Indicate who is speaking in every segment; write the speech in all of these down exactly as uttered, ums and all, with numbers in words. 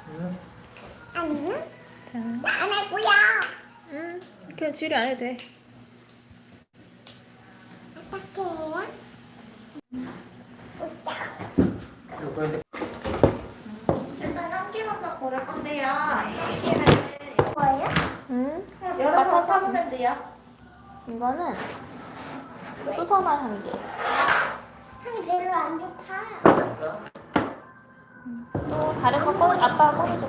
Speaker 1: 응.
Speaker 2: 아니,
Speaker 1: 자,
Speaker 2: 안 할 거야.
Speaker 1: 응. 그냥 지율이 안 해도 돼.
Speaker 2: 어떡해? 웃다.
Speaker 1: 요거한테
Speaker 3: 일단 향기 먼저 고를 건데요. 향기는
Speaker 2: 뭐예요?
Speaker 1: 응.
Speaker 3: 그냥 열어서 사보면 돼요.
Speaker 1: 이거는 수선화 향기.
Speaker 2: 향이 별로 안 좋다.
Speaker 1: 또 다른 거 꺼내, 아빠가 꺼내줘.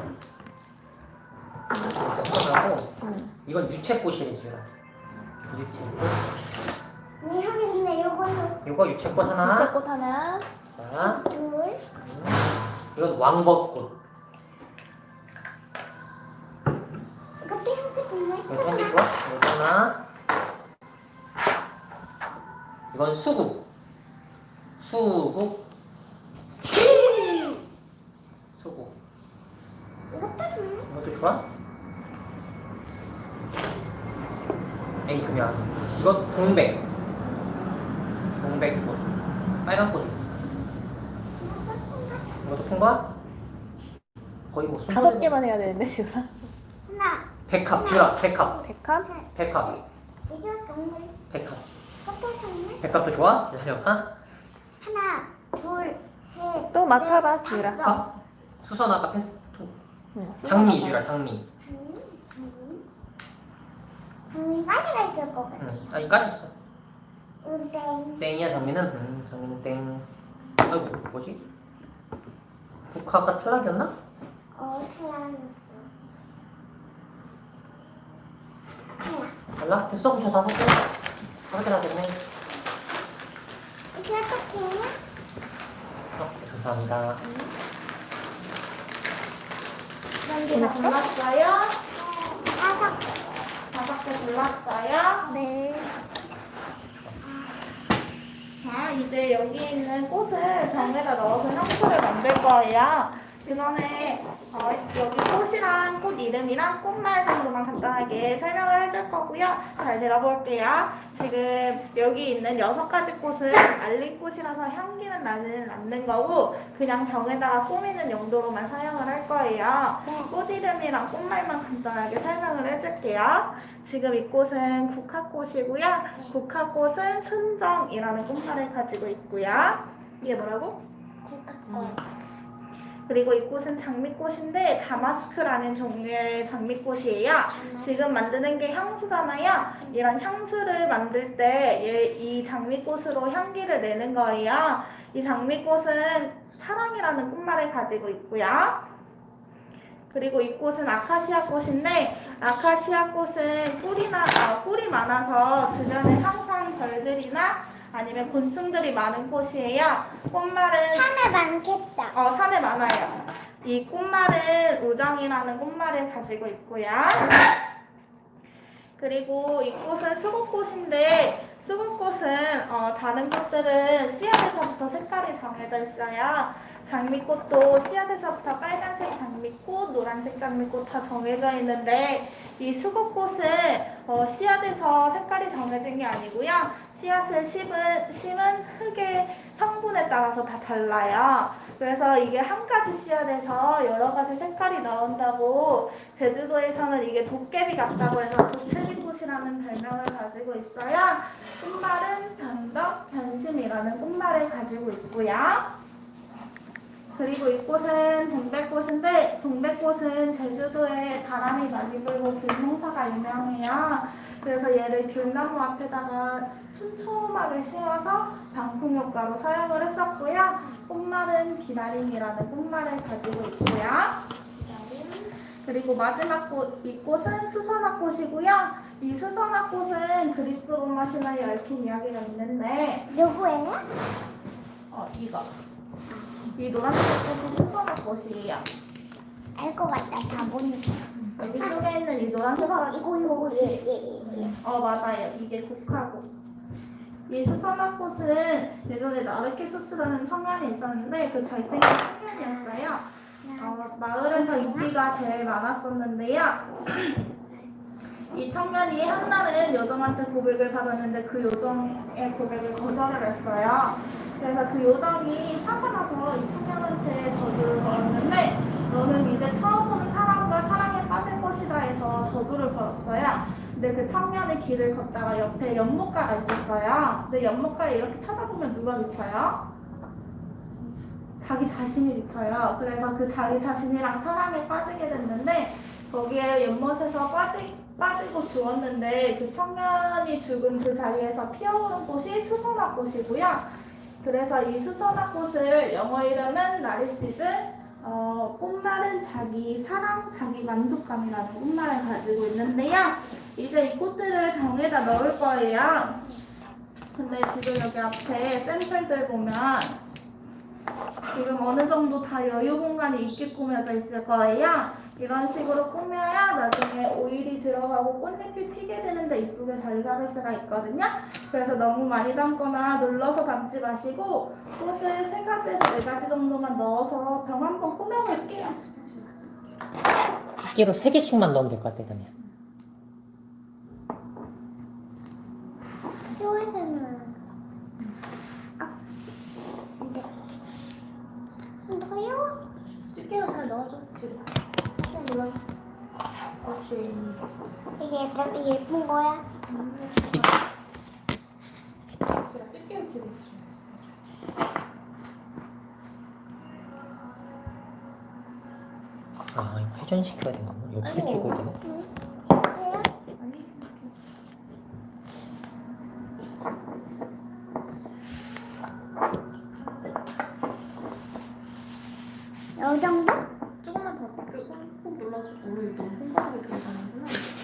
Speaker 4: 하고
Speaker 1: 응.
Speaker 4: 이건 유채꽃이래 지금. 유채꽃.
Speaker 2: 이 향이 근데 요거는
Speaker 4: 이거 유채꽃 하나.
Speaker 1: 유채꽃 하나.
Speaker 4: 자,
Speaker 2: 둘.
Speaker 4: 음. 이건 왕벚꽃.
Speaker 2: 이것도 향기 정말
Speaker 4: 이거 향기 좋아? 이거 하나. 이건 수국. 수국. 수국.
Speaker 2: 이것도 좀.
Speaker 4: 이것도 좋아? 에이 그냥 이건 동백. 동백꽃. 빨간 꽃. 이것도 통과? 거의 뭐 순서.
Speaker 1: 다섯 개만 해야 되는데, 지율아.
Speaker 2: 하나,
Speaker 4: 백합 주라. 백합.
Speaker 1: 백합?
Speaker 4: 백합.
Speaker 2: 이거 정말.
Speaker 4: 백합.
Speaker 2: 이것도 정말.
Speaker 4: 백합도 좋아? 기다려봐.
Speaker 2: 하나, 둘, 셋.
Speaker 1: 또 맡아봐,
Speaker 2: 넷,
Speaker 1: 지율아.
Speaker 2: 다섯.
Speaker 4: 아, 수선 아까 패스.
Speaker 1: 응.
Speaker 4: 장미 주라. 장미.
Speaker 2: 장미, 장미. 장미까지가 있을 것 같아.
Speaker 4: 응. 아 이까지 없어.
Speaker 2: 응, 땡.
Speaker 4: 땡이야 장미는. 음, 장미는 땡. 아이고 뭐지? 국화가 탈락이었나?
Speaker 2: 어, 탈락이었어. 탈락.
Speaker 4: 탈락? 됐어. 그럼 저 다섯 개. 다섯 개 다 됐네.
Speaker 2: 이렇게 어떡해?
Speaker 4: 어, 감사합니다.
Speaker 3: 향기 다 골랐어요?
Speaker 2: 다섯 개.
Speaker 3: 다섯 개 골랐어요?
Speaker 2: 네.
Speaker 3: 자, 이제 여기 있는 꽃을 병에다 넣어서 향수를 만들 거예요. 그 전에 어, 여기 꽃이랑 꽃 이름이랑 꽃말 정도만 간단하게 설명을 해줄 거고요. 잘 들어볼게요. 지금 여기 있는 여섯 가지 꽃은 알리꽃이라서 향기는 나는 않는 거고 그냥 병에다가 꾸미는 용도로만 사용을 할 거예요.
Speaker 2: 네.
Speaker 3: 꽃 이름이랑 꽃말만 간단하게 설명을 해줄게요. 지금 이 꽃은 국화꽃이고요. 국화꽃은 순정이라는 꽃말을 가지고 있고요. 이게 뭐라고?
Speaker 2: 국화꽃.
Speaker 3: 그리고 이 꽃은 장미꽃인데 다마스크라는 종류의 장미꽃이에요. 지금 만드는 게 향수잖아요. 이런 향수를 만들 때 이 장미꽃으로 향기를 내는 거예요. 이 장미꽃은 사랑이라는 꽃말을 가지고 있고요. 그리고 이 꽃은 아카시아 꽃인데 아카시아 꽃은 꿀이나 어, 꿀이 많아서 주변에 항상 벌들이나 아니면 곤충들이 많은 꽃이에요. 꽃말은
Speaker 2: 산에 많겠다.
Speaker 3: 어, 산에 많아요. 이 꽃말은 우정이라는 꽃말을 가지고 있고요. 그리고 이 꽃은 수국꽃인데 수국꽃은 어, 다른 꽃들은 씨앗에서부터 색깔이 정해져 있어요. 장미꽃도 씨앗에서부터 빨간색 장미꽃, 노란색 장미꽃 다 정해져 있는데 이 수국꽃은 어, 씨앗에서 색깔이 정해진 게 아니고요. 씨앗을 심은, 심은 흙의 성분에 따라서 다 달라요. 그래서 이게 한 가지 씨앗에서 여러 가지 색깔이 나온다고 제주도에서는 이게 도깨비 같다고 해서 도채비꽃이라는 별명을 가지고 있어요. 꽃말은 변덕, 변심이라는 꽃말을 가지고 있고요. 그리고 이 꽃은 동백꽃인데 동백꽃은 제주도에 바람이 많이 불고 귤농사가 유명해요. 그래서 얘를 귤나무 앞에다가 촘촘하게 심어서 방풍 효과로 사용을 했었고요. 꽃말은 기다림이라는 꽃말을 가지고 있고요. 그리고 마지막 꽃, 이 꽃은 수선화꽃이고요. 이 수선화꽃은 그리스 로마 신화에 얽힌 이야기가 있는데
Speaker 2: 누구예요?
Speaker 3: 어, 이거. 이 노란색 꽃이 수선화꽃이에요.
Speaker 2: 알 것 같다. 다 보니까.
Speaker 3: 여기 속에 있는 이 노란색
Speaker 2: 이거, 이거, 이거,
Speaker 3: 꽃이
Speaker 2: 예, 예, 예.
Speaker 3: 어 맞아요. 이게 국화꽃. 이 수선화꽃은 예전에 나르키소스라는 청년이 있었는데 그 잘생긴 청년이었어요. 어, 마을에서 인기가 제일 많았었는데요. 이 청년이 한날은 요정한테 고백을 받았는데 그 요정의 고백을 거절을 했어요. 그래서 그 요정이 화가 나서 이 청년한테 저주를 걸었는데 너는 근데 그 청년이 길을 걷다가 옆에 연못가가 있었어요. 근데 연못가에 이렇게 쳐다보면 누가 비쳐요? 자기 자신이 비쳐요. 그래서 그 자기 자신이랑 사랑에 빠지게 됐는데 거기에 연못에서 빠지, 빠지고 죽었는데 그 청년이 죽은 그 자리에서 피어오른 꽃이 수선화꽃이고요. 그래서 이 수선화꽃을 영어 이름은 나르시즈, 어, 꽃말은 자기 사랑, 자기 만족감이라는 꽃말을 가지고 있는데요. 이제 이 꽃들을 병에다 넣을 거예요. 근데 지금 여기 앞에 샘플들 보면 지금 어느 정도 다 여유 공간이 있게 꾸며져 있을 거예요. 이런 식으로 꾸며야 나중에 오일이 들어가고 꽃잎이 피게 되는데 이쁘게 자리 잡을 수가 있거든요. 그래서 너무 많이 담거나 눌러서 담지 마시고 꽃을 세 가지에서 네 가지 정도만 넣어서 병 한번 꾸며볼게요.
Speaker 4: 집게로 세 개씩만 넣으면 될 것 같아, 그냥.
Speaker 2: 쇼에서는 아, 근데 더요?
Speaker 1: 집게로 잘 넣어줘. 지금. 그냥 눌러. 그렇지.
Speaker 2: 이게 예쁜, 예쁜 거야?
Speaker 1: 제가 집게로 치고 있어.
Speaker 4: 아, 이거 회전시켜야 되나? 옆으로
Speaker 1: 아이고.
Speaker 4: 찍어야 되나?
Speaker 2: 응. 실제야?
Speaker 1: 아니.
Speaker 2: 요 정도?
Speaker 1: 조금만 더 꾹, 꾹 눌러줘. 우리 너무 콩가루에 들어가는구나.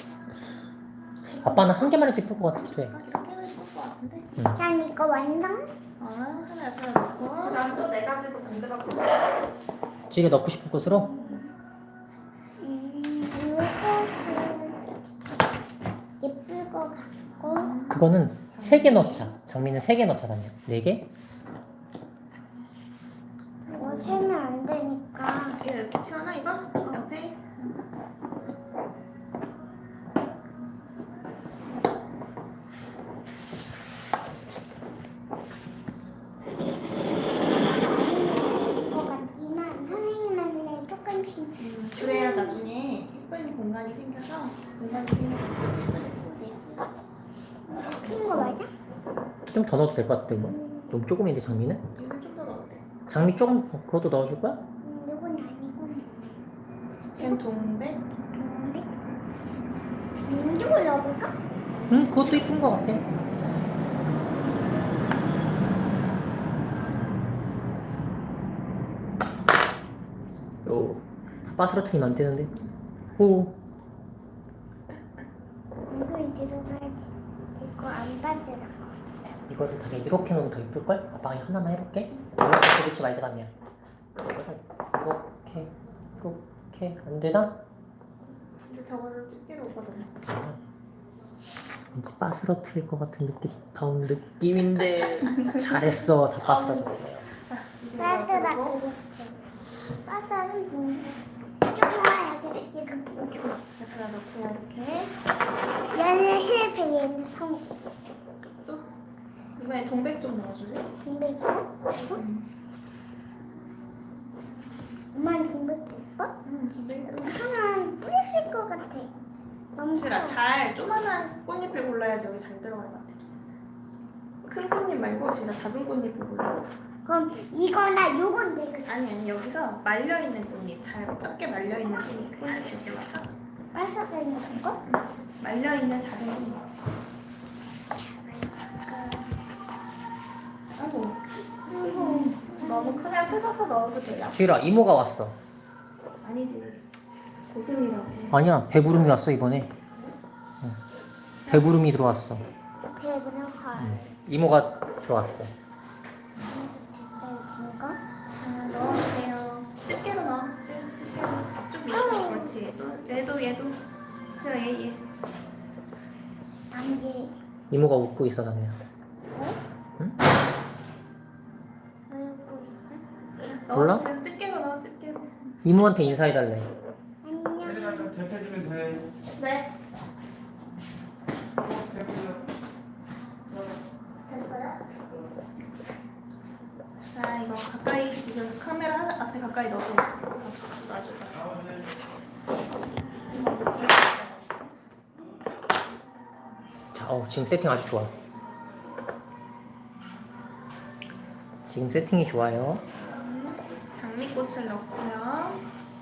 Speaker 4: 아빠는 한 개만 해도 예쁠 것 같아. 돼.
Speaker 1: 아, 이렇게 해도 예쁠 것 같은데.
Speaker 2: 난 이거 완성?
Speaker 1: 아, 하나 하나 넣고.
Speaker 3: 난 또 네 가지로 만들어 볼게요.
Speaker 4: 집에 넣고 싶은 곳으로?
Speaker 2: 음, 이것은 예쁠 것 같고
Speaker 4: 그거는 세 개 넣자. 장미는 세 개 넣자다며. 네 개?
Speaker 2: 이거 세면 안 되니까
Speaker 1: 이거 이렇게 치워놔 이거? 옆에.
Speaker 2: 것 같지만 선생님한테 조금씩
Speaker 1: 그래야 나중에 예쁜 공간이 생겨서 공간이 생겨서 집을 예쁘게.
Speaker 2: 큰 거 맞아?
Speaker 4: 좀 더 넣어도 될 것 같은데, 이거? 너무 조금인데, 장미는?
Speaker 1: 이건 좀 더 넣어도 돼.
Speaker 4: 장미 조금, 그것도 넣어줄 거야?
Speaker 2: 음, 이건 아니고
Speaker 1: 걘 동백.
Speaker 2: 근데 음, 이걸 넣어볼까?
Speaker 4: 응, 그것도 이쁜 것 같아. 오, 빠스러트리면 안 되는데. 오,
Speaker 2: 이걸 들어가야지 이거 안 빠지라
Speaker 4: 이거를 다 이렇게 넣으면 더 이쁠걸? 아빠가 하나만 해볼게. 이렇게 그렇지 말자다며. 이렇게, 이렇게, 안 되나?
Speaker 1: 이제 저거를 집게로 오거든.
Speaker 4: 왠지 빠스러트릴 것 같은 느낌, 다운 느낌인데. 잘했어, 다 빠스러졌어요.
Speaker 1: 이제
Speaker 2: 빠스라
Speaker 1: 이거 넣고.
Speaker 2: 그랬어 빠스는 좀 조그맣게 이거 보여줘
Speaker 1: 옆에다 넣고 이렇게.
Speaker 2: 얘는 실패 얘는 성공
Speaker 1: 또 이번에 동백 좀 넣어줄래?
Speaker 2: 동백이야? 엄마는 동백 예뻐?
Speaker 1: 응, 동백.
Speaker 2: 하나 뿌렸을 것 같아 너무
Speaker 1: 싫어.
Speaker 2: 커.
Speaker 1: 잘 조그만한 꽃잎을 골라야지 여기 잘 들어갈 것 같아. 큰 꽃잎 말고 진짜 작은 꽃잎을 골라.
Speaker 2: 그럼 이거나 요건 내가
Speaker 1: 아니 아니 여기서 말려 있는 꽃잎, 잘 적게 말려 있는 꽃잎. 이렇게 맞아.
Speaker 2: 빠스가 있는 거?
Speaker 1: 말려 있는 작은 꽃잎. 아이고. 너무 크면 뜯어서 넣어도 돼요.
Speaker 4: 주일아, 이모가 왔어.
Speaker 1: 아니지. 고슴이라고.
Speaker 4: 아니야, 배부름이 왔어, 이번에. 응. 배부름이 들어왔어.
Speaker 2: 배부른 헐
Speaker 4: 응. 이모가 들어왔어.
Speaker 2: 됐어요 거?
Speaker 1: 아, 넣어주세요. 집게로 넣어. 집게로. 좀 밀어. 그렇지. 또 얘도 얘도. 제가 얘 얘.
Speaker 2: 안개
Speaker 4: 이모가 웃고 있어, 나는.
Speaker 2: 왜?
Speaker 4: 응?
Speaker 2: 왜 웃고 있어?
Speaker 4: 몰라?
Speaker 1: 넣어주세요. 집게로 넣어. 집게로.
Speaker 4: 이모한테 인사해달래.
Speaker 2: 안녕
Speaker 5: 얘들아 좀 대패주면 돼.
Speaker 1: 네.
Speaker 5: 대패주.
Speaker 1: 됐어요? 자 이거 가까이 이거 카메라 앞에 가까이 넣어줘. 놔줘. 놔줘.
Speaker 5: 나머지.
Speaker 4: 자, 어, 지금 세팅 아주 좋아. 지금 세팅이 좋아요.
Speaker 1: 장미꽃을 넣고요.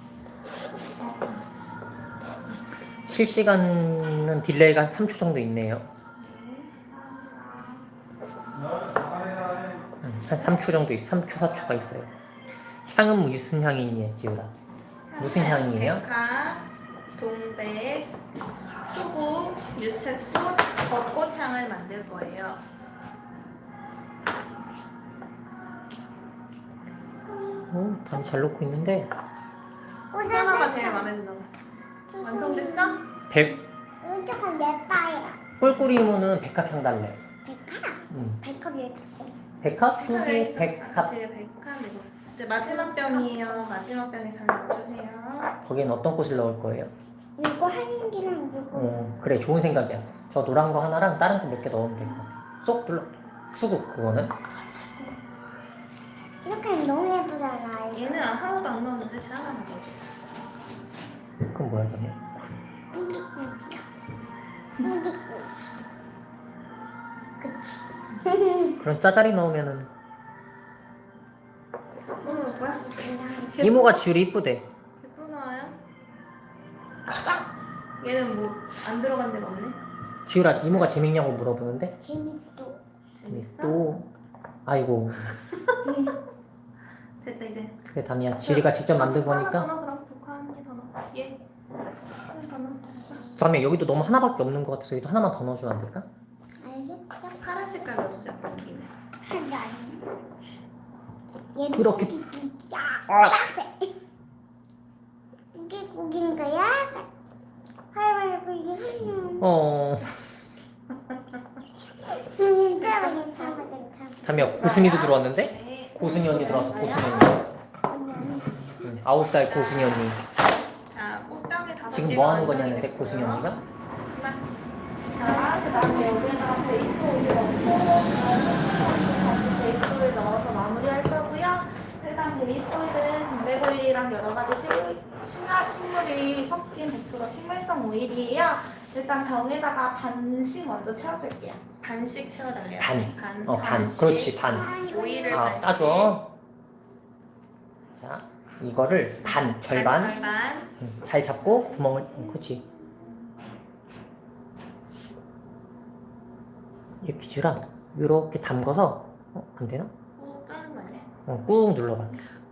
Speaker 4: 실시간은 딜레이가 삼 초 정도 있네요. 음, 한 삼 초 정도 있, 삼 초, 사 초가 있어요. 향은 무슨 향이니, 지우라? 무슨 향이에요?
Speaker 1: 백화, 동백, 수국, 유채꽃, 벚꽃 향을 만들 거예요.
Speaker 4: 오, 담이 잘 놓고 있는데
Speaker 1: 수아가 제일 마음에 든다고. 완성됐어?
Speaker 4: 백
Speaker 2: 이거 조금 예뻐요.
Speaker 4: 꿀꿀이모는 백합향 달래.
Speaker 2: 백합?
Speaker 4: 음.
Speaker 2: 백합 이렇게 써.
Speaker 4: 백합? 저기 백합.
Speaker 1: 그치, 백합 이거. 이제 마지막 병이에요. 마지막 병에 잘 넣어주세요.
Speaker 4: 거기엔 어떤 꽃을 넣을 거예요?
Speaker 2: 이거 하는 기는 이거.
Speaker 4: 어, 그래, 좋은 생각이야. 저 노란 거 하나랑 다른 거 몇 개 넣으면 될 것 같아. 쏙 눌러. 수국 그거는.
Speaker 2: 이렇게 하면 너무 예쁘잖아.
Speaker 1: 얘는 하나도 안 넣었는데 제가 하나 넣어주자.
Speaker 4: 그건 뭐야 그러면?
Speaker 2: 우기우기야. 우기우기. 그치.
Speaker 4: 그런 짜자리 넣으면은
Speaker 1: 뭐 넣을 거야?
Speaker 4: 이모가 지우리 이쁘대.
Speaker 1: 예쁘나요? 얘는 뭐 안 들어간 데가 없네.
Speaker 4: 지우라 이모가 재밌냐고 물어보는데
Speaker 2: 재밌도.
Speaker 1: 재밌어?
Speaker 4: 또 아이고
Speaker 1: 됐다 이제.
Speaker 4: 그래 담이야 지우리가 직접 만든
Speaker 1: 하나 더
Speaker 4: 거니까.
Speaker 1: 넣어 그럼 독화 한 개 더 넣어. 얘. 하나 더 넣어.
Speaker 4: 담이야 여기도 너무 하나밖에 없는 것 같아서 여기도 하나만 더 넣어주면 안 될까?
Speaker 2: 알겠어.
Speaker 1: 파란 색깔 넣어주자. 여기는.
Speaker 2: 하지 않아. 얘는
Speaker 4: 그렇게-
Speaker 2: 우기우기야.
Speaker 4: 아.
Speaker 2: 빡세. 우기우기인 거야? 할머니 우기우기는.
Speaker 4: 어
Speaker 2: 괜찮아 괜찮아 괜찮아.
Speaker 4: 담이야 고순이도 들어왔는데?
Speaker 1: 네.
Speaker 4: 고순이 언니 들어왔어 고순이 언니. 응, 아홉 살 고순이 언니.
Speaker 1: 자, 꽃병에 다섯
Speaker 4: 지금
Speaker 1: 개가
Speaker 4: 뭐 하는
Speaker 1: 완성이
Speaker 4: 거냐는데 고순이
Speaker 1: 됐고요.
Speaker 4: 언니가?
Speaker 1: 그만.
Speaker 3: 자, 그 다음에 여기다가 베이스 오일 넣고 다시 베이스 오일 넣어서 마무리할 거고요. 일단 베이스 오일은 동백올리랑 여러 가지 식- 신화 식물이 섞인 백 퍼센트 식물성 오일이에요. 일단 병에다가 반씩 먼저 채워줄게요.
Speaker 1: 반씩 채워달래요.
Speaker 4: 반.
Speaker 1: 반.
Speaker 4: 어 반.
Speaker 1: 반씩.
Speaker 4: 그렇지 반.
Speaker 1: 오일을
Speaker 4: 아
Speaker 1: 반씩.
Speaker 4: 따줘. 자 이거를 반 절반.
Speaker 1: 절반.
Speaker 4: 응, 잘 잡고 구멍을 응, 그렇지. 이렇게 주라. 이렇게 담궈서 어, 안 되나?
Speaker 1: 꾹 짜는 거 아니야?
Speaker 4: 어, 꾹 눌러봐.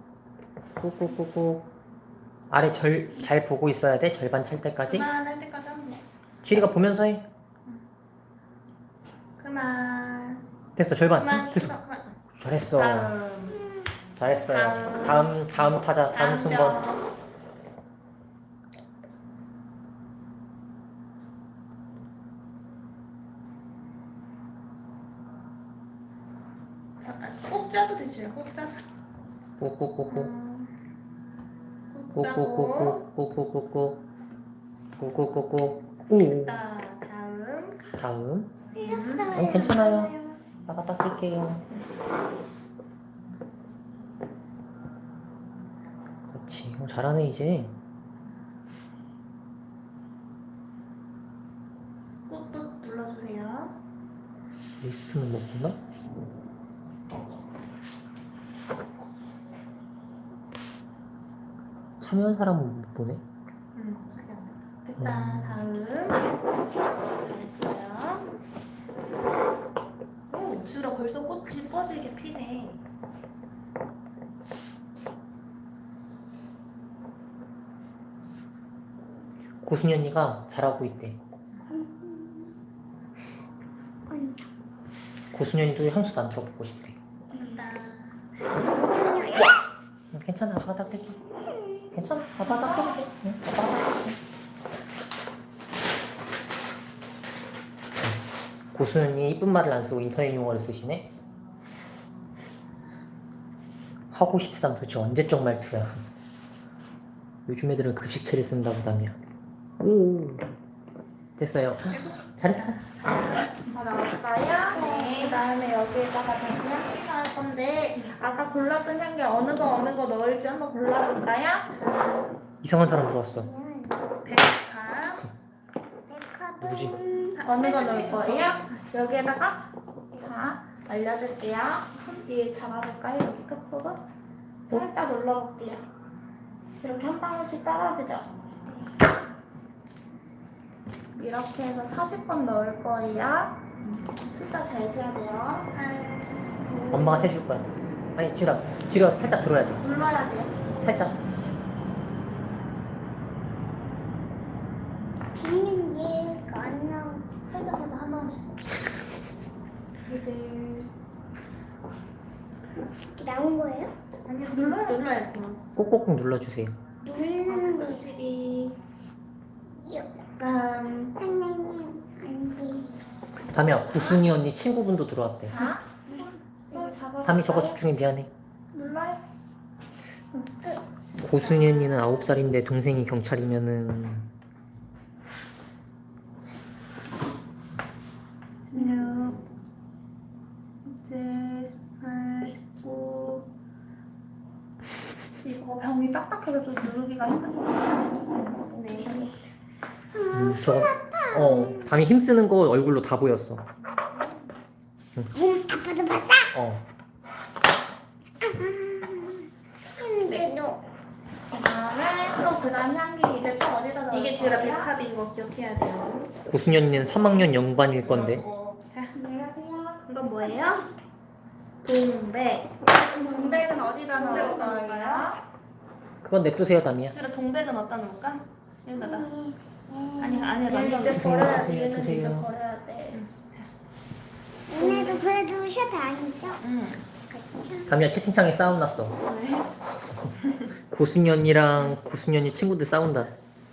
Speaker 4: 꾹꾹꾹꾹. 아래 절 잘 보고 있어야 돼. 절반 찰 때까지.
Speaker 1: 그만할 때까지 하면 돼.
Speaker 4: 지리가 보면서 해.
Speaker 1: 그만.
Speaker 4: 됐어 절반.
Speaker 1: 그만.
Speaker 4: 됐어.
Speaker 1: 그만.
Speaker 4: 잘했어.
Speaker 1: 다음.
Speaker 4: 잘했어요. 다음 다음 타자 다음 순번.
Speaker 1: 병. 잠깐 꼭 짜도 되지. 꼭 짜.
Speaker 4: 꾹꾹꾹꾹.
Speaker 1: 음, 꼭 짜고.
Speaker 4: 꾹꾹꾹꾹. 꾹꾹꾹꾹. 꾹.
Speaker 1: 자, 다음.
Speaker 4: 다음.
Speaker 2: 틀렸어요.
Speaker 4: 어, 괜찮아요. 아까 닦을게요. 그렇지. 어, 잘하네 이제.
Speaker 1: 꾹꾹 눌러주세요.
Speaker 4: 리스트는 못 보나? 참여한 사람은 못 보네.
Speaker 1: 음, 됐다. 다음. 잘했어요. 오, 주라 벌써 꽃이 뻗질게 피네.
Speaker 4: 고순이 언니가 잘하고 있대. 고순이 언니도 향수도 안 들어보고 싶대.
Speaker 1: 됐다.
Speaker 4: 응, 괜찮아. 아빠 닦을게. 괜찮아. 아빠 닦을게. 응, 아빠 닦을게. 고순이 언니 이쁜 말을 안 쓰고 인터넷 용어를 쓰시네. 하고 싶삼 도대체 언제적 말투야. 요즘 애들은 급식체를 쓴다 보다며. 오 됐어요. 잘했어.
Speaker 3: 다 나왔어요? 네. 그 다음에 여기에다가 다시 향기 넣을 건데 아까 골랐던 향기 어느 거 어느 거 넣을지 한번 골라볼까요?
Speaker 4: 이상한 사람 들어왔어.
Speaker 1: 백합.
Speaker 4: 누구지?
Speaker 3: 어느 거 넣을 거예요? 여기에다가 자 알려줄게요. 손 뒤에 잡아볼까요? 여기 끝부분 살짝 눌러볼게요. 이렇게 한 방울씩 떨어지죠? 이렇게 해서 사십 번 넣을 거예요. 숫자 잘 세야 돼요. 팔, 구,
Speaker 4: 엄마가 세줄 거야. 아니 지우라, 지우라 살짝 들어야 돼.
Speaker 3: 눌러야 돼요.
Speaker 4: 살짝.
Speaker 2: 비는 얘가 안 나오.
Speaker 3: 살짝 살짝 한 방울씩. 이들
Speaker 2: 이렇게 나온 거예요?
Speaker 3: 아니 눌러야지.
Speaker 1: 눌러야지.
Speaker 4: 꼭꼭꼭 눌러주세요.
Speaker 2: 누르는 거.
Speaker 1: 십이,
Speaker 2: 요.
Speaker 1: 삼,
Speaker 2: 선생님 안 돼.
Speaker 4: 담이야, 구순이 언니 친구분도 들어왔대.
Speaker 3: 자, 손 잡아.
Speaker 4: 담이 저거 집중해 미안해.
Speaker 3: 눌러요.
Speaker 4: 고순이 언니는 아홉 살인데 동생이 경찰이면은
Speaker 1: 십육, 십칠, 십팔, 십구.
Speaker 3: 이거 병이 딱딱해서 좀 누르기가 힘들어요.
Speaker 1: 네.
Speaker 4: 음, 저거 어 담이 힘쓰는 거 얼굴로 다 보였어.
Speaker 2: 음, 아빠도 봤어?
Speaker 4: 어
Speaker 2: 힘들어.
Speaker 3: 그다음에 또 그다음 향기 이제 또 어디다 넣을
Speaker 1: 이게 지우라
Speaker 3: 거예요?
Speaker 1: 백합인 거 기억해야 돼요.
Speaker 4: 고순이 언니는 삼 학년 영반일 건데.
Speaker 1: 자,
Speaker 3: 안녕하세요.
Speaker 1: 이건 뭐예요? 동백.
Speaker 3: 동백은 어디다 넣을 거예요?
Speaker 4: 그건 냅두세요 담이야.
Speaker 1: 지우라 동백은 어디다 놓을까? 여기다가.
Speaker 2: 네.
Speaker 1: 아니 아니야
Speaker 3: 얘는
Speaker 1: 말고.
Speaker 3: 이제
Speaker 4: 드세요,
Speaker 3: 버려야 돼.
Speaker 4: 드세요,
Speaker 3: 얘는
Speaker 4: 드세요.
Speaker 3: 이제 버려야 돼.
Speaker 2: 오늘도 그래도 셔츠 아니죠?
Speaker 1: 응.
Speaker 4: 담이야 채팅창에 싸움 났어.
Speaker 1: 네.
Speaker 4: 고순이 언니랑 고순이 언니 친구들 싸운다.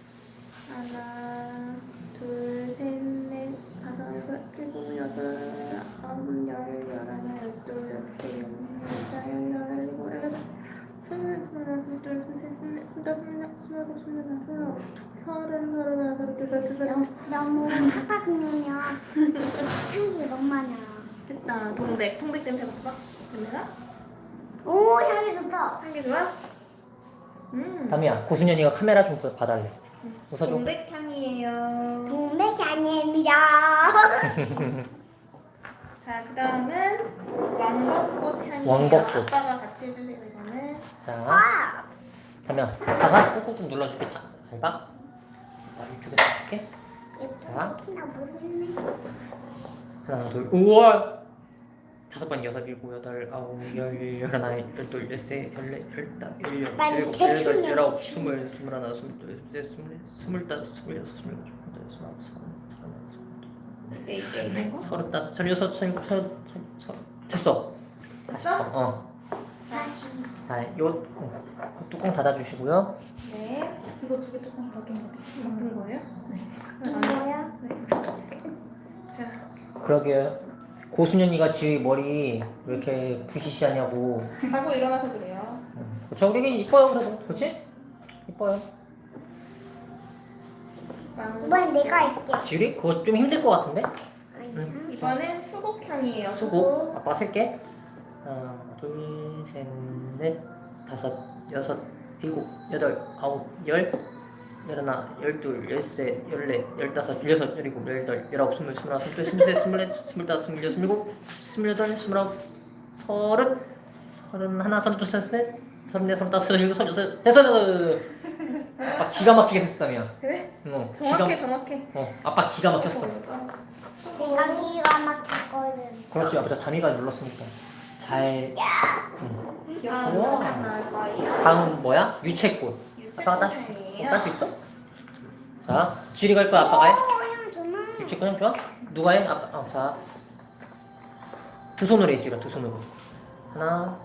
Speaker 1: 하나, 둘, 셋, 넷, 다섯, 여섯, 일곱, 여덟, 아홉, 열, 열하나, 열둘, 열세, 열넷, 열여덟, 열일곱, 열여덟, 스물, 스물하나, 스물둘, 스물셋, 스물넷, 스물다섯, 스물여섯, 스물일곱, 스물여덟, 스물아홉, 서른, 서른하나, 서른둘, 서른셋.
Speaker 2: 너무 팍팍이면요. 향기 너무 많아.
Speaker 1: 됐다. 동백. 동백 냄새 맡아봐. 냄새가?
Speaker 2: 오, 향기 좋다.
Speaker 1: 향기 좋아? 음.
Speaker 4: 담이야 고순이 언니가 카메라 좀 봐달래. 웃어줘.
Speaker 1: 동백 향이에요.
Speaker 2: 동백이 아닙니다.
Speaker 1: 자, 그 다음은 왕벚꽃 향이에요.
Speaker 4: 왕벚꽃.
Speaker 1: 아빠가 같이 해주세요. 이거는.
Speaker 4: 자
Speaker 2: 와,
Speaker 4: 담이야 다가 꾹꾹꾹 눌러줄게. 다. 잘 봐. 자 이쪽에서 줄게. 자.
Speaker 2: 예쁘나 모르겠네.
Speaker 4: 하나 둘 우와 다섯 번 여섯 일곱 여덟 아홉 열 열하나 열둘 열세 열넷 열다 열여
Speaker 2: 빨리
Speaker 4: 열일곱
Speaker 2: 대충
Speaker 4: 열여덟 열아홉
Speaker 2: 대충.
Speaker 4: 스물 스물하나 스물둘 스물셋 스물넷 스물다섯 스물여섯 스물일곱 스물여덟 스물아홉 스물여덟
Speaker 1: 네, 이게 있는 거?
Speaker 4: 서른다섯 서른여섯 서른일곱 서른 서른 됐어.
Speaker 3: 됐어?
Speaker 4: 어. 자, 요 어, 뚜껑 닫아주시고요.
Speaker 1: 네.
Speaker 3: 이거 두 개 뚜껑 바뀐 거 같아.
Speaker 1: 바꾼 거예요?
Speaker 2: 뭐야?
Speaker 1: 자,
Speaker 4: 그러게 고수년이가 지휘 머리 왜 이렇게 부시시하냐고.
Speaker 3: 자고 일어나서 그래요.
Speaker 4: 저 우리 이뻐요 그래도, 그렇지? 이뻐요.
Speaker 2: 이번엔 내가 할게.
Speaker 4: 지휘 그거 좀 힘들 것 같은데?
Speaker 2: 응.
Speaker 1: 이번엔 수국 향이에요.
Speaker 4: 수고. 아빠 셀게. 하나, 둘, 셋, 넷, 다섯, 여섯, 일곱, 여덟, 아홉, 열, 열하나, 열둘, 열세, 열넷, 열다섯, 열여섯, 열일곱, 열여덟, 열아홉, 스물, 스물하나, 스물둘, 스물셋, 스물넷, 스물다섯, 스물여섯, 스물일곱, 스물여덟, 스물아홉, 서른, 서른하나, 서른둘, 서른셋, 서른넷, 서른다섯, 서른일곱, 서른여섯, 됐어, 됐어. 아빠 기가 막히게 했었다며.
Speaker 1: 그래?
Speaker 4: 어,
Speaker 1: 정확해,
Speaker 4: 기가,
Speaker 1: 정확해.
Speaker 4: 어, 아빠 기가 막혔어.
Speaker 2: 내가 기가 막혔거든.
Speaker 4: 그렇지, 아빠 저 다미가 눌렀으니까. 잘.
Speaker 1: 다음
Speaker 4: 우와.
Speaker 1: 하나 나올 거예요.
Speaker 4: 다음 뭐야? 유채꽃. 아빠가 딸,
Speaker 1: 유채꽃향이에요.
Speaker 4: 딸 수 있어? 자, 지리 갈 거야, 아빠가 해?
Speaker 2: 오, 향 좋나?
Speaker 4: 유채꽃 향 좋아? 누가 해? 아빠. 어, 자, 두 손으로 해, 지리가 두 손으로. 하나,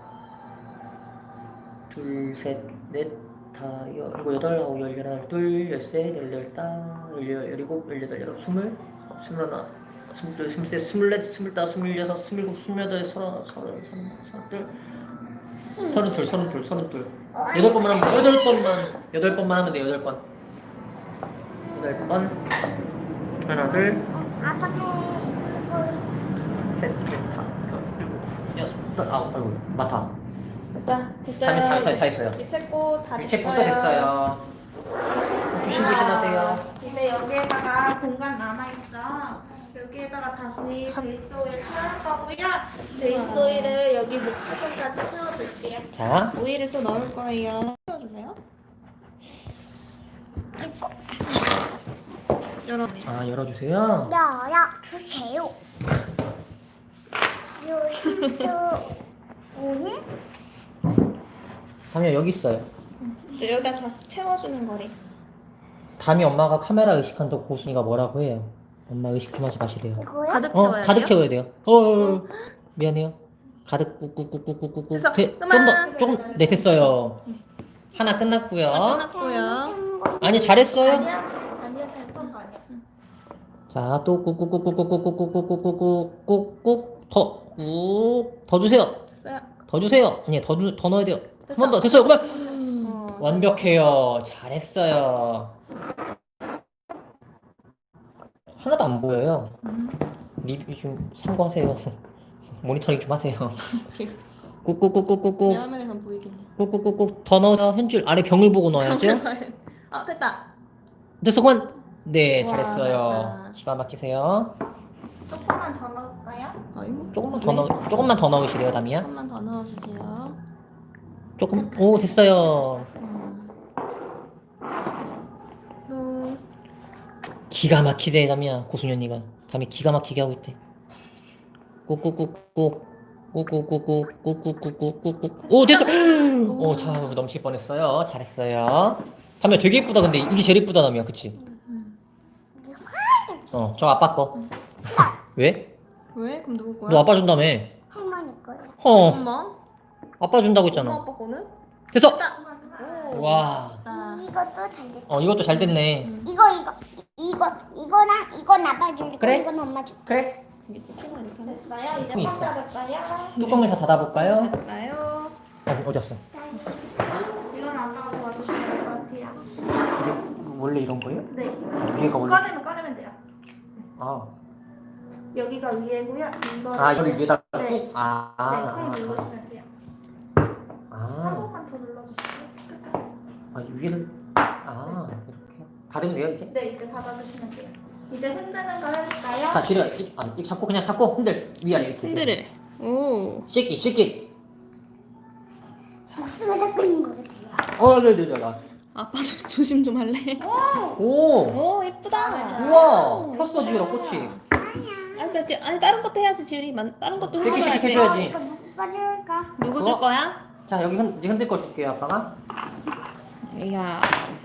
Speaker 4: 둘, 셋, 넷, 다, 여, 일곱, 여덟, 아홉, 열, 열하나, 둘, 열셋, 열, 열다, 열여, 열일곱, 열여덟, 열아홉, 스물, 스물하나, 스물둘, 스물셋, 스물넷, 스물다섯, 스물여섯, 스물일곱, 스물여덟, 서른, 서른, 서른, 서른둘, 서른둘, 서른둘, 서른둘. 여덟 번만 하면 돼. 여덟 번만, 여덟 번만 하면 돼. 여덟 번. 여덟 번. 하나, 둘,
Speaker 2: 아빠 해.
Speaker 4: 셋, 넷, 다, 여, 일곱, 여덟, 아홉, 아이고, 맡아.
Speaker 1: 자, 됐어요.
Speaker 4: 다음에 다, 다, 다 했어요.
Speaker 1: 유채꽃 다
Speaker 4: 유채
Speaker 1: 됐어요.
Speaker 4: 꽃도 됐어요. 조심조심하세요.
Speaker 3: 이제 여기에다가 공간 남아있죠? 여기에다가 다시 베이스 오일 채울 거고요. 베이스 오일을 여기 목부분까지 채워줄게요.
Speaker 4: 자,
Speaker 1: 오일을 또 넣을 거예요. 채워주세요. 열어.
Speaker 4: 아 열어주세요.
Speaker 2: 열어 주세요. 요수 오일?
Speaker 4: 담이야 여기 있어요.
Speaker 1: 이제 여기다 다 채워주는 거래.
Speaker 4: 담이 엄마가 카메라 의식한다고 고순이가 뭐라고 해요. 엄마 의식 좀 하지 마시래요.
Speaker 2: 이거요?
Speaker 1: 가득
Speaker 4: 어,
Speaker 1: 채워야
Speaker 4: 가득
Speaker 1: 돼요?
Speaker 4: 채워야 돼요. 어, 어, 어. 미안해요. 가득 꾹꾹꾹꾹꾹꾹.
Speaker 1: 됐어.
Speaker 4: 돼.
Speaker 1: 그만.
Speaker 4: 좀더 조금 네 됐어요. 하나 끝났고요.
Speaker 1: 끝났고요.
Speaker 4: 아니 잘했어요.
Speaker 3: 아니야, 아니야, 잘못한 거 아니야.
Speaker 4: 자, 또 꾹꾹꾹꾹꾹꾹꾹꾹꾹꾹꾹꾹꾹꾹 더꾹더 주세요.
Speaker 1: 됐어요.
Speaker 4: 더 주세요. 아니 더, 넣- 더 넣어야 돼요. 한 번 더 됐어요. 그만.
Speaker 1: 어,
Speaker 4: 완벽해요. 잘했어요. 하나도 안 보여요. 리뷰 좀 참고하세요. 모니터링 좀 하세요. 꾹꾹꾹꾹꾹꾹
Speaker 1: 내 화면에선 보이게.
Speaker 4: 꾹꾹꾹꾹 더 넣어서 현줄 아래 병을 보고 넣어야죠.
Speaker 1: 아 됐다.
Speaker 4: 됐어 그만. 네
Speaker 1: 와,
Speaker 4: 잘했어요.
Speaker 1: 잘했다.
Speaker 4: 기가 막히세요.
Speaker 3: 조금만 더 넣을까요?
Speaker 1: 아이고.
Speaker 4: 조금만 더 넣 조금만 더 넣으시래요 담이야.
Speaker 1: 조금만 더 넣어주세요.
Speaker 4: 조금 오 됐어요.
Speaker 1: 음. 또
Speaker 4: 기가 막히대 담이야 고순현이가 담이 기가 막히게 하고 있대. 꾹꾹꾹꾹 꾹꾹꾹꾹꾹꾹꾹꾹꾹꾹 오 됐어. 오자 넘칠 뻔했어요. 잘했어요. 담이야 되게 예쁘다. 근데 이게 제일 예쁘다 담이야 그치? 어 저 아빠 거. 왜?
Speaker 1: 왜? 그럼 누구 거야?
Speaker 4: 너 아빠 준다며.
Speaker 2: 할머니 거요.
Speaker 4: 어
Speaker 1: 엄마?
Speaker 4: 아빠 준다고
Speaker 1: 엄마
Speaker 4: 했잖아.
Speaker 1: 아빠 거는?
Speaker 4: 됐어.
Speaker 1: 오.
Speaker 4: 와.
Speaker 1: 나.
Speaker 2: 이것도 잘 됐다.
Speaker 4: 어 이것도 잘 됐네.
Speaker 2: 이거 이거 이거 이거랑 이건 아빠 줄고
Speaker 4: 그래?
Speaker 2: 이건 엄마 줄.
Speaker 4: 그래.
Speaker 1: 이게 찍히고 이렇게 하면
Speaker 3: 됐어요? 이제
Speaker 4: 좀
Speaker 3: 꽉
Speaker 4: 있어.
Speaker 3: 닫을까요?
Speaker 4: 뚜껑을 다 닫아볼까요?
Speaker 1: 될까요?
Speaker 4: 어, 어디 갔어?
Speaker 3: 이건 아빠가 도와주시면 될 것 같아요.
Speaker 4: 이게 원래 이런 거예요?
Speaker 3: 네.
Speaker 4: 위에가 원래
Speaker 3: 꺼내면 꺼내면 돼요.
Speaker 4: 아,
Speaker 3: 여기가 위에고요. 이거를
Speaker 4: 아 이걸 위에다
Speaker 3: 네.
Speaker 4: 꾹 아, 아,
Speaker 3: 네, 꾹
Speaker 4: 아,
Speaker 3: 누르시면 돼요. 한
Speaker 4: 아,
Speaker 3: 번만 더 눌러주세요. 끝까지.
Speaker 4: 아 위를 아 이렇게 닫으면 돼요 이제?
Speaker 3: 네, 이제 닫아주시면 돼요. 이제 흔드는 거 해볼까요?
Speaker 4: 자 지뢰 이- 아 이렇게 잡고 그냥 잡고 흔들 위아래 이렇게
Speaker 1: 흔들으래. 오.
Speaker 4: 씻기 씻기
Speaker 2: 목숨에서 끊는 거 같아요.
Speaker 4: 어 네, 네, 네, 네.
Speaker 1: 아빠 좀 조심 좀 할래?
Speaker 4: 오
Speaker 1: 오 예쁘다.
Speaker 4: 우와 폈어 지우라 꽃이
Speaker 1: 아 진짜 아니 다른 것도 해야지 지율이. 만 다른 것도
Speaker 4: 씻기 씻기
Speaker 1: 흔들어야지.
Speaker 4: 해줘야지.
Speaker 2: 이거 누가 줄까?
Speaker 1: 누구 줄
Speaker 4: 어?
Speaker 1: 거야?
Speaker 4: 자 여기 흔, 이제 흔들 거 줄게요 아빠가.
Speaker 1: 이야.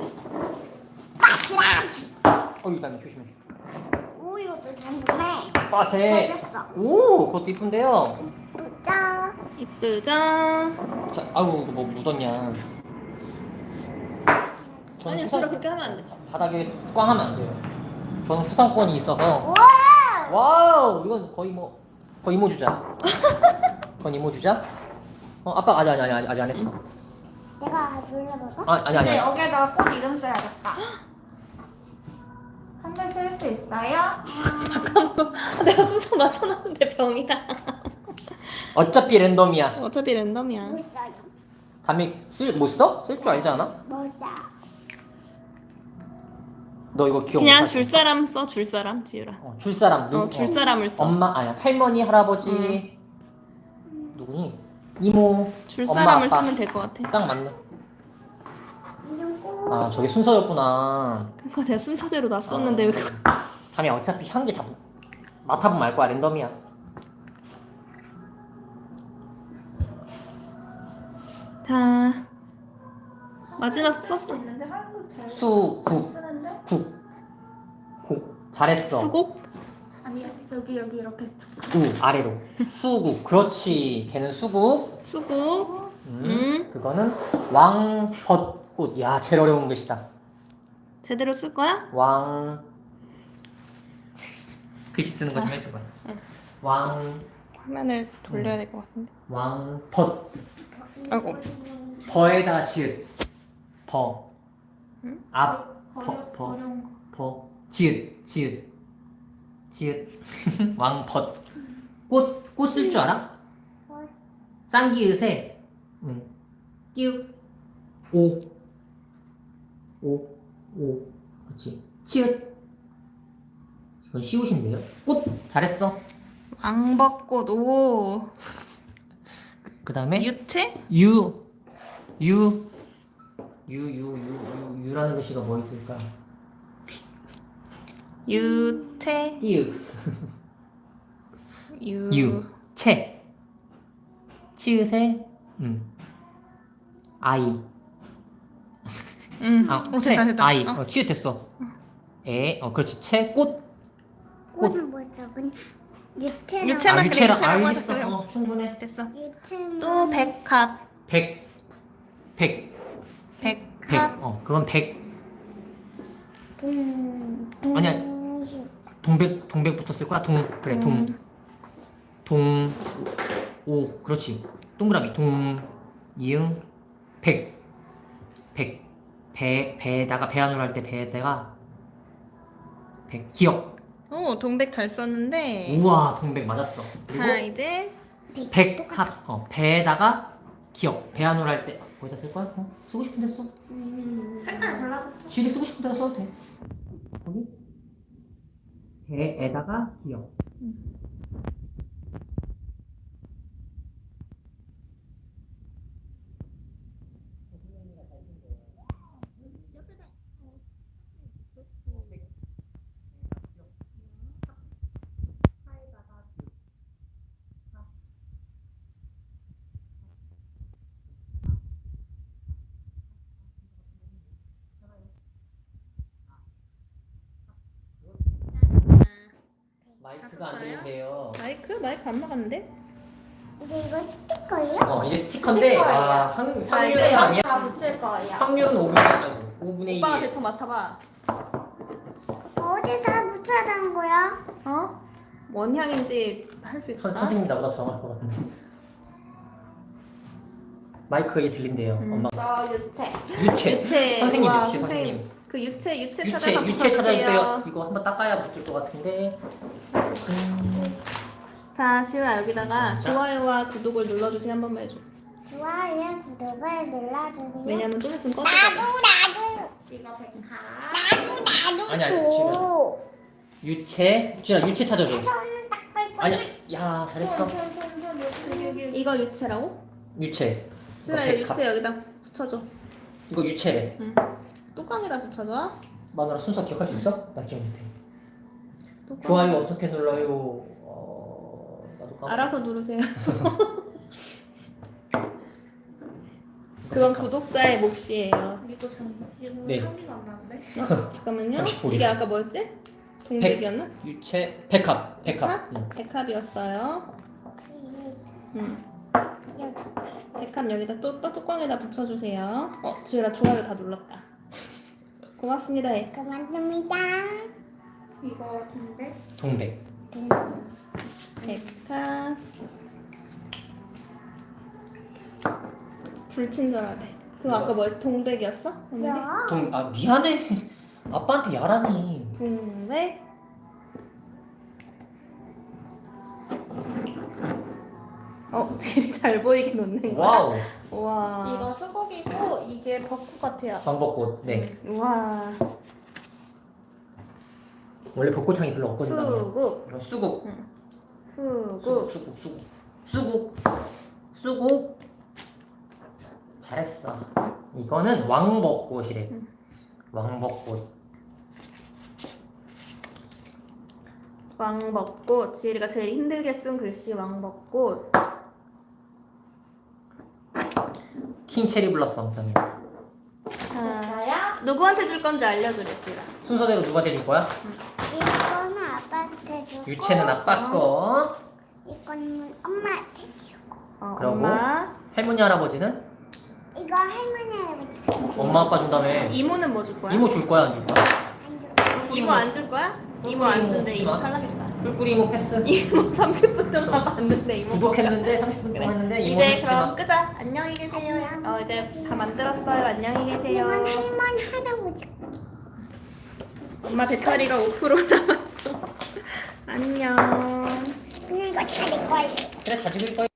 Speaker 4: 어 이거 다음에 조심해.
Speaker 2: 오 이것도 잘 됐네.
Speaker 4: 빠세.
Speaker 2: 잘했어.
Speaker 4: 오 그것도 이쁜데요.
Speaker 2: 짜.
Speaker 1: 이쁘죠?
Speaker 4: 자 아우 이거 뭐 묻었냐. 저는
Speaker 1: 아니
Speaker 4: 초상-
Speaker 1: 지율아 그렇게 하면 안 되지.
Speaker 4: 바닥에 꽝 하면 안 돼요. 저는 초상권이 있어서.
Speaker 2: 와.
Speaker 4: 와우 이건 거의 뭐 거의 이모 주자. 거의 이모 주자. 어 아빠 아직 아직 아직 아직 안 했어.
Speaker 2: 내가 눌러봐봐.
Speaker 4: 아 아니 아니.
Speaker 3: 네,
Speaker 4: 아니.
Speaker 3: 여기에다가 꽃 이름 써야겠다. 한 글 쓸 수 있어요?
Speaker 1: 내가 순서 맞춰놨는데 병이야.
Speaker 4: 어차피 랜덤이야.
Speaker 1: 어차피 랜덤이야.
Speaker 2: 못 써요.
Speaker 4: 담이 쓸못 써? 쓸 줄 알지 않아?
Speaker 2: 못 써.
Speaker 4: 너 이거 기억
Speaker 1: 그냥
Speaker 4: 못하지?
Speaker 1: 줄 사람 써 줄 사람 지율아.
Speaker 4: 어, 줄 사람 누구?
Speaker 1: 어, 줄 사람을 써.
Speaker 4: 엄마 아니야 할머니 할아버지 누구니? 이모
Speaker 1: 줄
Speaker 4: 엄마,
Speaker 1: 사람을
Speaker 4: 아빠.
Speaker 1: 쓰면 될 것 같아.
Speaker 4: 딱 맞네.
Speaker 2: 이거
Speaker 4: 아 저게 순서였구나.
Speaker 1: 그러니까 내가 순서대로 놨었는데 왜 그걸?
Speaker 4: 담이 어차피 향기 다 맡아보면 알 거야 랜덤이야.
Speaker 1: 자 마지막
Speaker 3: 쓸수
Speaker 1: 썼어.
Speaker 3: 있는데 한국 잘
Speaker 4: 수국
Speaker 3: 쓰는데?
Speaker 4: 국 국 잘했어.
Speaker 1: 수곡?
Speaker 3: 아니요, 여기 여기 이렇게
Speaker 4: 우 아래로 수국 그렇지 걔는 수국.
Speaker 1: 수국.
Speaker 4: 음,
Speaker 1: 음.
Speaker 4: 그거는 왕벚꽃. 야 제일 어려운 글씨다.
Speaker 1: 제대로 쓸 거야?
Speaker 4: 왕 글씨 쓰는 거 좀 해줘봐. 왕
Speaker 1: 화면을 돌려야 될 것 같은데.
Speaker 4: 왕벗
Speaker 1: 아이고.
Speaker 4: 버에다 지읒 버
Speaker 1: 응?
Speaker 4: 앞
Speaker 3: 어려,
Speaker 4: 버, 버,
Speaker 3: 어려운 거.
Speaker 4: 버 지읒 지읒 지읒 왕벗 꽃 꽃 쓸 줄 알아? 쌍기읒에 응 띄우 오오오 그렇지 치읒 이건 시옷인데요. 꽃 잘했어.
Speaker 1: 왕벚꽃. 오.
Speaker 4: 그 다음에
Speaker 1: 유채?
Speaker 4: 유, 유, 유, 유, 유, 유, 유라는 글씨가 뭐 있을까?
Speaker 1: 유채.
Speaker 4: 띠유,
Speaker 1: 유.
Speaker 4: 유, 채, 치읓에 음, 아이,
Speaker 1: 응.
Speaker 4: 아,
Speaker 1: 오,
Speaker 4: 채,
Speaker 1: 됐다 됐다.
Speaker 4: 아이,
Speaker 1: 어.
Speaker 4: 어, 치읓 됐어. 에, 어, 그렇지. 채, 꽃,
Speaker 2: 꽃은 뭐죠? 그냥 유채랑
Speaker 1: 유채. 채만
Speaker 4: 아,
Speaker 1: 그래,
Speaker 4: 유채랑
Speaker 1: 유채라고 하자,
Speaker 4: 알겠어.
Speaker 1: 그래.
Speaker 4: 어, 충분해.
Speaker 1: 됐어.
Speaker 2: 유채는
Speaker 1: 또 백합.
Speaker 4: 백, 백, 백,
Speaker 1: 백합.
Speaker 4: 어, 그건 백.
Speaker 2: 동
Speaker 4: 아니야.
Speaker 2: 동시
Speaker 4: 동백, 동백 붙었을 거야. 동, 그래, 동,
Speaker 1: 음.
Speaker 4: 동, 오, 그렇지. 동그라미, 동, 이응, 백, 백, 배, 배에다가 배안으로 할 때 배에다가 백, 기억.
Speaker 1: 오, 동백 잘 썼는데.
Speaker 4: 우와, 동백 맞았어. 그리고
Speaker 1: 자, 이제
Speaker 4: 백, 합, 어, 배에다가 기억. 배안으로 할 때 거기다 쓸 거야? 어? 쓰고 싶은 데 써.
Speaker 3: 색깔 골라줬어.
Speaker 4: 지리 쓰고 싶은 데다 써도 돼. 거기 배에다가 기억. 마이크가 안
Speaker 1: 봤어요?
Speaker 4: 되는데요.
Speaker 1: 마이크? 마이크 안 나갔는데?
Speaker 2: 이제 이거 스티커예요?
Speaker 4: 어, 이게 스티커인데 아, 확,
Speaker 3: 자,
Speaker 4: 확률은
Speaker 3: 이제
Speaker 4: 아니야.
Speaker 3: 여기 다 붙일 거예요.
Speaker 4: 확률은 오분의 일이고 오분의
Speaker 1: 오빠가
Speaker 4: 일.
Speaker 1: 대충 맡아봐.
Speaker 2: 어디다 붙여야 되는 거야?
Speaker 1: 어? 뭔 향인지 할 수 있어?
Speaker 4: 선, 선생님이 나보다 정확할 것 같은데. 마이크 이게 들린대요.
Speaker 1: 음.
Speaker 4: 엄마.
Speaker 3: 저 유채.
Speaker 4: 유채.
Speaker 1: 유채.
Speaker 4: 선생님
Speaker 1: 우와,
Speaker 4: 역시 선생님.
Speaker 1: 그 유채, 유채,
Speaker 4: 유채
Speaker 1: 찾아서
Speaker 4: 유채
Speaker 1: 붙여주세요.
Speaker 4: 찾아주세요. 이거 한번 닦아야 붙을 것 같은데. 음,
Speaker 1: 자, 지우야 여기다가
Speaker 4: 자.
Speaker 1: 좋아요와 구독을 눌러주세요. 한 번만 해줘.
Speaker 2: 좋아요, 구독을 눌러주세요.
Speaker 1: 왜냐면 좀 있으면
Speaker 2: 나도
Speaker 1: 꺼지거든.
Speaker 2: 나도
Speaker 3: 이거 백합.
Speaker 2: 나도 나도
Speaker 4: 아니야,
Speaker 2: 줘.
Speaker 4: 유채. 주야 유채 찾아줘.
Speaker 2: 손을 딱 뺄
Speaker 4: 아니야. 야 잘했어.
Speaker 1: 이거 유채라고?
Speaker 4: 유채.
Speaker 1: 지우야
Speaker 4: 이거
Speaker 1: 이
Speaker 4: 백합.
Speaker 1: 유채 여기다 붙여줘.
Speaker 4: 이거 유채래.
Speaker 1: 응. 뚜껑에다 붙여줘.
Speaker 4: 마누라 순서 기억할 수 있어? 나 기억 못해.
Speaker 1: 뚜껑.
Speaker 4: 좋아요 어떻게 눌러요? 어, 나도 까먹.
Speaker 1: 알아서 누르세요. 그건 구독자의 몫이에요.
Speaker 3: 이거 좀 이거
Speaker 4: 네.
Speaker 3: 향기가 안 나는데.
Speaker 1: 어? 잠깐만요.
Speaker 4: 잠시 보리세요.
Speaker 1: 이게 아까 뭐였지? 동백이었나?
Speaker 4: 유채 백합. 백합. 응.
Speaker 1: 백합이었어요. 응. 백합 여기다 또, 또 뚜껑에다 붙여주세요. 어, 지우라 좋아요 다 눌렀다. 고맙습니다. 해.
Speaker 2: 고맙습니다.
Speaker 3: 이거 동백.
Speaker 4: 동백.
Speaker 1: 백합. 불친절하대. 그거 아까 뭐였어? 동백이었어? 오늘이?
Speaker 2: 야.
Speaker 4: 동. 아 미안해. 아빠한테 야라니.
Speaker 1: 동백. 어, 되게 잘 보이게 놓는 거야.
Speaker 4: 와우.
Speaker 1: 와.
Speaker 3: 이거 수국이고 이게 벚꽃 같아요.
Speaker 4: 방벚꽃. 네.
Speaker 1: 와.
Speaker 4: 원래 벚꽃향이 별로 없거든요.
Speaker 1: 수국.
Speaker 4: 이거 수국.
Speaker 1: 수국.
Speaker 4: 수국. 수국. 수국. 수국. 수국. 잘했어. 이거는 왕벚꽃이래. 왕벚꽃.
Speaker 1: 왕벚꽃. 지혜리가 제일 힘들게 쓴 글씨 왕벚꽃.
Speaker 4: 킹 체리 블러썸. 그다음에
Speaker 1: 자,
Speaker 3: 됐어요?
Speaker 1: 누구한테 줄 건지 알려주래, 지혜라.
Speaker 4: 순서대로 누가 드릴 거야?
Speaker 2: 이거는 아빠한테 주고.
Speaker 4: 유채는 아빠 거.
Speaker 2: 이거는 엄마한테 주고.
Speaker 1: 어,
Speaker 4: 그러고?
Speaker 1: 엄마.
Speaker 4: 할머니 할아버지는
Speaker 2: 이거 할머니한테 주고.
Speaker 4: 엄마 아빠 준다며.
Speaker 1: 이모는 뭐 줄 거야?
Speaker 4: 이모 줄 거야 안 줄 거야?
Speaker 2: 안 줘.
Speaker 1: 이모 안 줄 거야? 이모 안 준대. 이모
Speaker 4: 주지 마.
Speaker 1: 탈락했다.
Speaker 4: 꿀꿀이 이모 패스.
Speaker 1: 이모 삼십 분 동안 봤는데 이모.
Speaker 4: 구독했는데 삼십 분 동안 했는데 이모
Speaker 1: 이제
Speaker 4: 주지
Speaker 1: 그럼
Speaker 4: 마.
Speaker 1: 끄자. 안녕히 계세요. 어 이제 다 만들었어요. 안녕히 계세요.
Speaker 2: 이건 할머니 할아버지.
Speaker 1: 엄마 배터리가 오 퍼센트 남았어. 안녕.
Speaker 2: 그냥 이거 차릴 거예요.
Speaker 4: 그래 다 죽일 거야.